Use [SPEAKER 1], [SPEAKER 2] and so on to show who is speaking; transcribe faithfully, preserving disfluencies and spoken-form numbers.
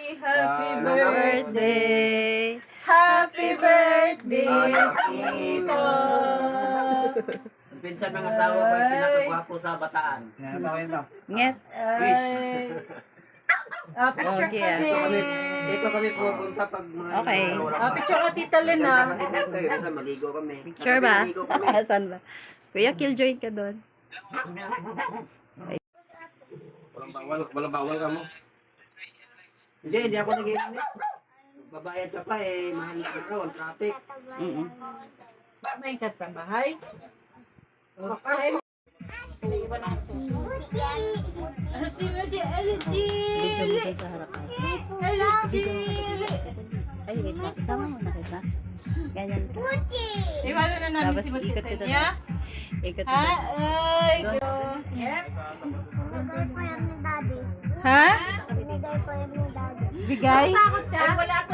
[SPEAKER 1] Happy
[SPEAKER 2] Ah,
[SPEAKER 1] birthday. Happy birthday, Tito.
[SPEAKER 2] Ang pinsan ng asawa ko ay pinakagwapo sa bataan.
[SPEAKER 3] Yan ako yun to.
[SPEAKER 4] Nget.
[SPEAKER 2] Wish.
[SPEAKER 1] Ah, picture
[SPEAKER 4] Okay,
[SPEAKER 1] kami.
[SPEAKER 2] Dito kami, dito kami pupunta pag mga
[SPEAKER 4] Okay.
[SPEAKER 1] Ah, picture ka, Tita Lynn, ah.
[SPEAKER 2] Kasi dito eh, minsan maligo kami.
[SPEAKER 4] Sure ba?
[SPEAKER 2] Maligo kami.
[SPEAKER 4] Saan ba? Kuya, killjoy ka doon.
[SPEAKER 5] Walang bawal, walang bawal ka mo.
[SPEAKER 2] Hindi, hindi ako nag-iinit. Babayad ka pa eh, mahal na ako, ang traffic.
[SPEAKER 4] Mm-mm.
[SPEAKER 1] May katabahay. Okay. Ah, si Maji, ano,
[SPEAKER 4] Video mo
[SPEAKER 1] Jilly?
[SPEAKER 4] kayo sa harapan.
[SPEAKER 1] Hello, Jilly.
[SPEAKER 4] Ay, wait lang. Isama mo na kita. Ganyan.
[SPEAKER 1] Iwala na namin
[SPEAKER 4] Tapos
[SPEAKER 1] si Maji
[SPEAKER 4] ikot
[SPEAKER 1] sa
[SPEAKER 4] kita
[SPEAKER 1] kanya.
[SPEAKER 4] Ikot
[SPEAKER 1] Ha?
[SPEAKER 4] mo.
[SPEAKER 1] Ay,
[SPEAKER 4] Doon.
[SPEAKER 1] go.
[SPEAKER 6] Binigay po yan ni Daddy.
[SPEAKER 1] Ha?
[SPEAKER 6] Binigay po yan ni Daddy.
[SPEAKER 1] Bigay? Ay, wala